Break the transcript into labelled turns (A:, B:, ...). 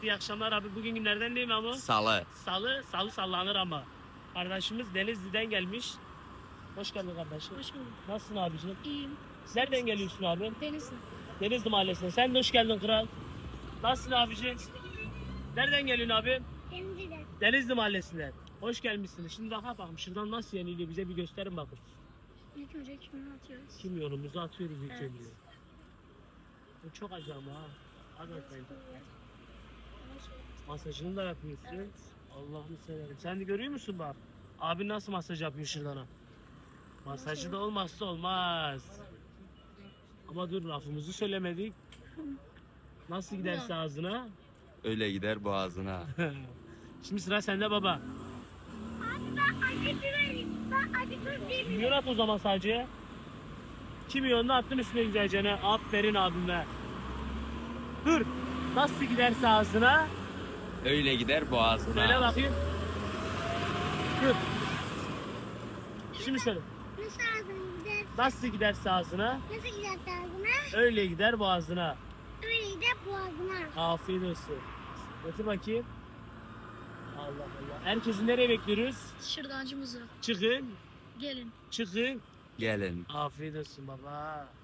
A: İyi akşamlar abi. Bugün günlerden değil mi ama?
B: Salı.
A: Salı sallanır ama. Kardeşimiz Denizli'den gelmiş. Hoş geldin kardeşim.
C: Hoş bulduk.
A: Nasılsın abiciğim?
C: İyiyim.
A: Nereden geliyorsun abi?
C: Denizli.
A: Denizli Mahallesi'ne. Sen de hoş geldin kral. Nasılsın abiciğim? Nereden geliyorsun abi?
C: Denizli'den.
A: Denizli Mahallesi'nden. Hoş gelmişsin. Şimdi bak bakalım şuradan nasıl yeniliyor bize bir gösterin bakın.
C: İlk önce kimini atıyoruz?
A: Kim yolumuzu atıyoruz ilk
C: Evet.
A: önce. Bu çok acayip ha. Hadi bakayım. Masajını da yapıyorsun.
C: Evet.
A: Allah'ını severim. Sen de görüyor musun bak? Abi nasıl masaj yapıyor şuradan ha? Masajı da olmazsa olmaz. Ama dur lafımızı söylemedik. Nasıl giderse ağzına.
B: Öyle gider boğazına.
A: Şimdi sıra sende baba.
C: Abi ben acı değilim.
A: Kimyon at o zaman sadece. Kimyonunu attın üstüne güzelce. Aferin abime. Dur. Nasıl giderse ağzına.
B: Öyle gider boğazına.
A: Söyle bakayım. Dur. Şimdi söyle.
C: Nasıl ağzına gider?
A: Nasıl giderse ağzına.
C: Nasıl gider ağzına?
A: Öyle gider boğazına.
C: Öyle gider boğazına.
A: Afiyet olsun. Götür bakayım. Allah Allah. Herkesi nereye bekliyoruz?
C: Şırdancımızı.
A: Çıkın.
C: Gelin.
A: Çıkın.
B: Gelin.
A: Afiyet olsun baba.